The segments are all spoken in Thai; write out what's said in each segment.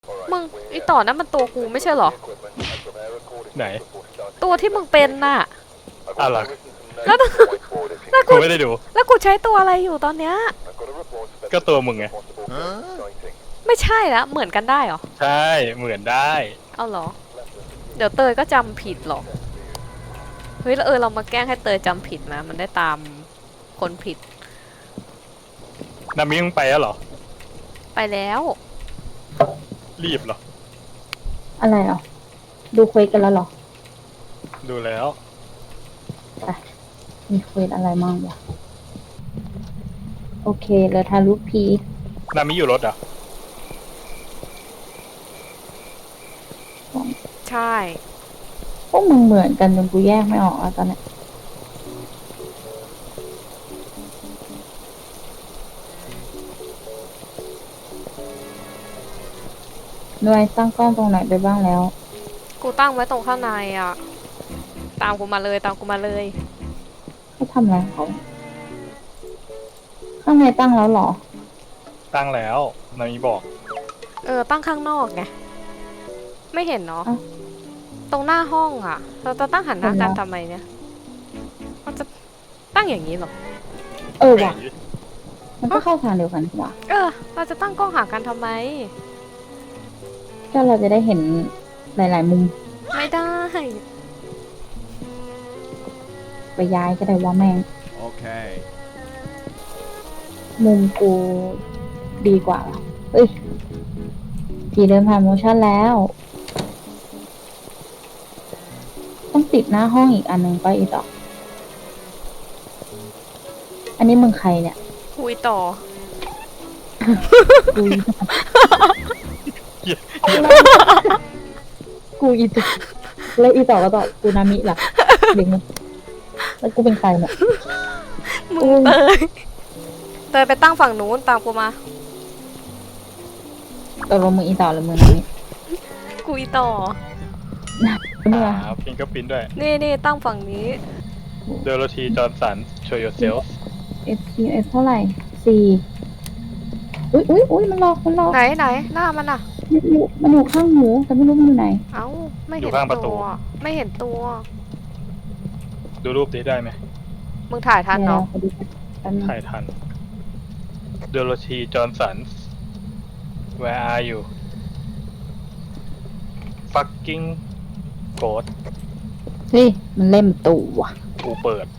มึงไอต่อนั้นมันตัวกูไม่ใช่เหรอไหนตัวที่มึงเป็นน่ะอะไรแล้วแล้วกูกูไม่ได้ดูแล้วกูใช้ตัวอะไรอยู่ตอนเนี้ยก็ตัวมึงไงไม่ใช่แล้วเหมือนกันได้เหรอใช่เหมือนได้เอาเหรอเดี๋ยวเตยก็จำผิดหรอกเฮ้ยแล้วเรามาแกล้งให้เตยจำผิดนะมันได้ตามคนผิดนามิมึงไปแล้วเหรอไปแล้วรีบเหรออะไรอ่ะดูเควสกันแล้วเหรอดูแล้วไปมีเควสอะไรมั่งวะโอเคเหลือทารุพีนามิอยู่รถเหรอ่ะใช่พวกมึงเหมือนกันจนกูแยกไม่ออกแล้วตอนเนี้ยหน่วยตั้งกล้องตรงไหนไปบ้างแล้วกูตั้งไว้ตรงข้างในอ่ะตามกูมาเลยตามกูมาเลยเขาทำอะไรของเขาข้างในตั้งแล้วเหรอตั้งแล้วนามิบอกตั้งข้างนอกไงไม่เห็นเนาะอ้าวตรงหน้าห้องอ่ะ เราจะตั้งหันหน้ากันเห็นแล้วทำไมเนี่ยเราจะตั้งอย่างนี้เหรอเออว่ะมันก็เข้าทางเดียวกันว่ะเราจะตั้งกล้องหากันทำไมก็เราจะได้เห็นหลายๆมุมไม่ได้ไปย้ายก็ได้ว่าแม่ง Okay. มุมกูดีกว่าเหรอเอ้ยผีเดินผ่านโมชั่นแล้ว ต้องติดหน้าห้องอีกอันหนึ่งไปอีกต่อ อันนี้มึงใครเนี่ยคุยต่อกูอีกูอีต่อแล้วอีต่อก็ต่อกูนามิล่ะเด็กมึงแล้วกูเป็นใครเนี่ยมึงเตยไปตั้งฝั่งนู้นตามกูมาตกลงมึงอีต่อหรือมึงนามิคุยต่อเมื่อฟิงเกอร์พินด้วยนี่ตั้งฝั่งนี้เดโรธีจอห์นสัน show yourself FPS เท่าไหร่สี่อุ้ยมันหลอกไหนหน้ามันอ่ะมันอยู่ข้างหนูแต่ไม่รู้มันอยู่ไหนเอ้าไม่อยู่เห็นข้างประตูตัวไม่เห็นตัวดูรูปนี้ได้ไหมมึงถ่ายทันเนาะดี๋ยวแป๊บนึงถ่ายทันเดโรธีจอห์นสัน where are you fucking ghost เฮ้ยมันเล่นประตูว่ะกูเปิด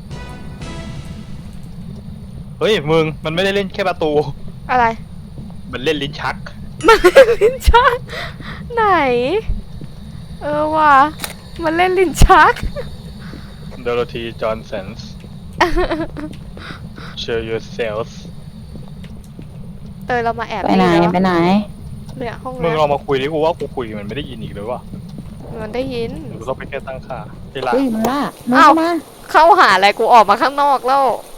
เฮ้ยมึงมันไม่ได้เล่นแค่ประตูอะไรมันเล่นลิ้นชักมันเล่นลิ้นชักไหน ว่ะมันเล่นลิ้นชักเดโรธีจอห์นสัน show yourself เตยเรามาแอบไปไหนนี่ไปไหนเนี่ยห้องมึงเนี้ยลองมาคุยดิกูว่ากูคุยมันไม่ได้ยินอีกเลยว่ะมันได้ยินหรือเขาไปแค่ตั้งค่าเวลาเฮ้ยมันล่ามันอ้าวเข้ามาเข้าหาอะไรกูออกมาข้างนอกแล้ว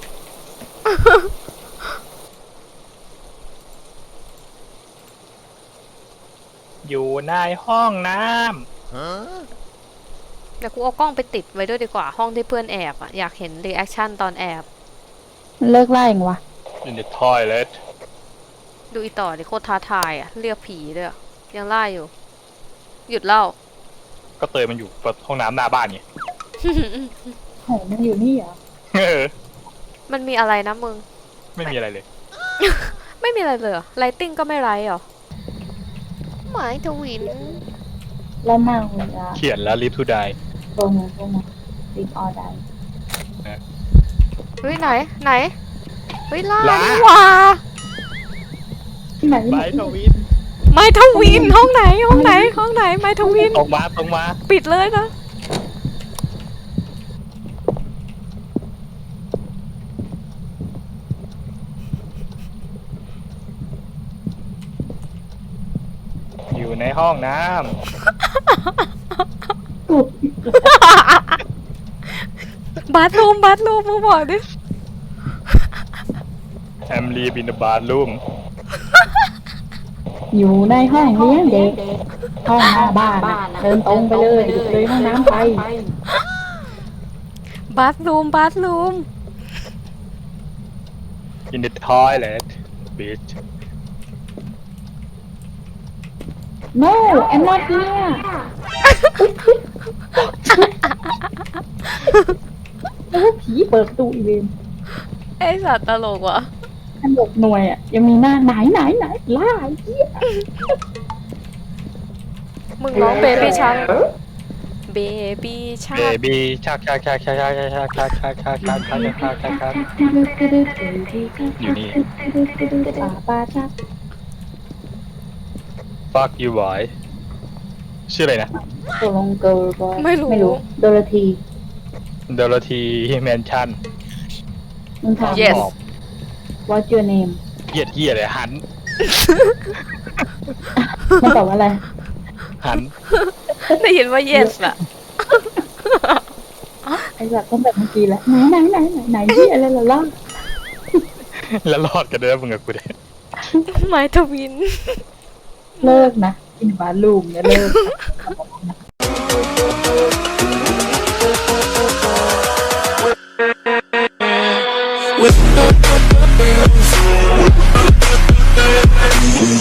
อยู่ในห้องน้ Huh? เดี๋ยวกูเอากล้องไปติดไว้ด้วยดีกว่าห้องที่เพื่อนแอบอ่ะอยากเห็นรีแอคชั่นตอนแอบมันเลิกไล่ยังวะำ in the toilet ดูอีต่อดิโคตรท้าทายอ่ะเรียกผีด้วยอะยังไล่อยู่ หยุดเล่าก็เตยมันอยู่ห้องน้ำหน้าบ้านไงโหมันอยู่นี่เหรอเออมันมีอะไรนะมึงไม่มีอะไรเลยไม่มีอะไรเลยเหรอไลติ้งก็ไม่ไรเหรอหมายทวินแล้วนางเวลาเขียนแล้ว live to die ตรงติดออได้เฮ้ยไหนเฮ้ยล่าล่านี่หว่าที่ไหนที่ไหไบนทวินไมทวินห้องไหนไมทวินตรงมาปิดเลยนะอยู่ในห้องน้บาร์รูมมึงบอกดิำ I'm live in the bathroom อยู่ในห้องเลี้ยงเด็กห้องหน้าบ้านน่ะเดินตรงไปเลยห้องน้ำไปบาร์รูม in the toilet bitch no I'm not here แล้วผีเปิดประตูอีเวนไอสัตว์ตลกว่ะอันบกหน่วยอ่ะยังมีหน้าไหนล่าไอ้เหี้ยมึงร้องเบบี้ชักเบบี้ชัเบกบี้ชักชักชักชักชักชักชักชักชักชักชักชักชักชักชักอยู่นี่ป้าชัก fuck you boy ชื่ออะไรนะตกลงเกิร์ลบอยไม่รู้โดโรธีเดลทีแมนชั่นมึงถาม Yes What's your name เหี้ยเลยหันมันตอบว่าอะไรหันได้ยินว่า yes อะไอ้แบบต้องแบบเมื่อกี้แหละไหนที่อะไรล่ะแล้วรอดกันด้วยนะมึงกับกูเนี่ยไม้ทวินเลิกนะกินบาลูมเนี่ยเลิก With